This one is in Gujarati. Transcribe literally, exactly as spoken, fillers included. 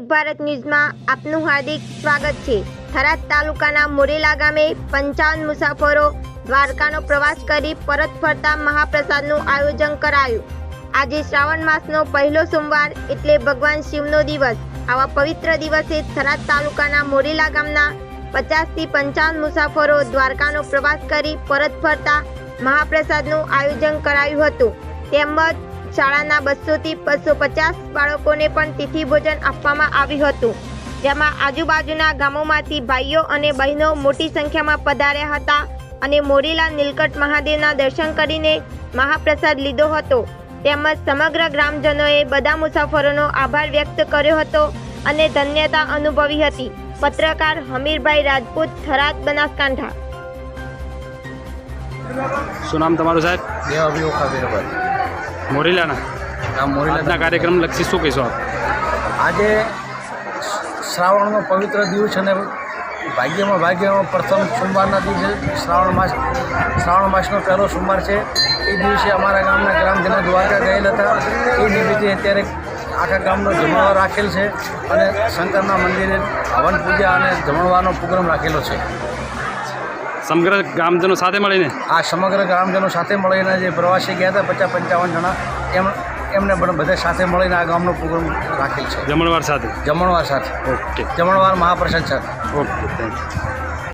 નવભારત ન્યૂઝમાં આપનું હાર્દિક સ્વાગત છે। થરાદ તાલુકાના મોરેલા ગામે પંચાવન મુસાફરો દ્વારકાનો પ્રવાસ કરી પરત ફરતા મહાપ્રસાદનું આયોજન કરાયું। આજે શ્રાવણ માસનો પહેલો સોમવાર એટલે ભગવાન શિવનો દિવસ। આવા પવિત્ર દિવસે થરાદ તાલુકાના મોરેલા ગામના પચાસ થી પંચાવન મુસાફરો દ્વારકાનો પ્રવાસ કરી પરત ફરતા મહાપ્રસાદનું આયોજન કરાયું હતું। તેમજ શાળાના બસો થી બસો પચાસ બાળકોને પણ તિથિ ભોજન આપવામાં આવ્યું હતું, જેમાં આજુબાજુના ગામોમાંથી ભાઈઓ અને બહેનો મોટી સંખ્યામાં પધાર્યા હતા અને મોરેલા નીલકંઠ મહાદેવના દર્શન કરીને મહાપ્રસાદ લીધો હતો। તેમજ સમગ્ર ગ્રામજનોએ બધા મુસાફરોનો આભાર વ્યક્ત કર્યો હતો અને ધન્યતા અનુભવી હતી। પત્રકાર હમીરભાઈ રાજપૂત, થરાદ, બનાસકાંઠા। શું નામ તમારું સાહેબ? દેવાભાઈ ઓખાવીરભાઈ, મોરેલાના આ મોરેલા આજના કાર્યક્રમ લક્ષી શું કહેશો આપ? આજે શ્રાવણનો પવિત્ર દિવસ અને ભાગ્યમાં ભાગ્યમાં પ્રથમ સોમવારના દિવસે શ્રાવણ માસ શ્રાવણ માસનો પહેલો સોમવાર છે। એ દિવસે અમારા ગામના ગ્રામજનો દ્વારકા ગયેલા હતા। એ નિમિત્તે અત્યારે આખા ગામનો જમણવાર રાખેલ છે અને શંકરના મંદિરે હવન પૂજા અને જમણવારનો પ્રોગ્રામ રાખેલો છે। સમગ્ર ગ્રામજનો સાથે મળીને આ સમગ્ર ગ્રામજનો સાથે મળીને જે પ્રવાસી ગયા હતા પચાસ પંચાવન જણા એમ એમને પણ બધા સાથે મળીને આ ગામનો પ્રોગ્રામ રાખેલ છે, જમણવાર સાથે। જમણવાર સાથે, ઓકે જમણવાર મહાપ્રસાદ સાથે। Okay, thank you.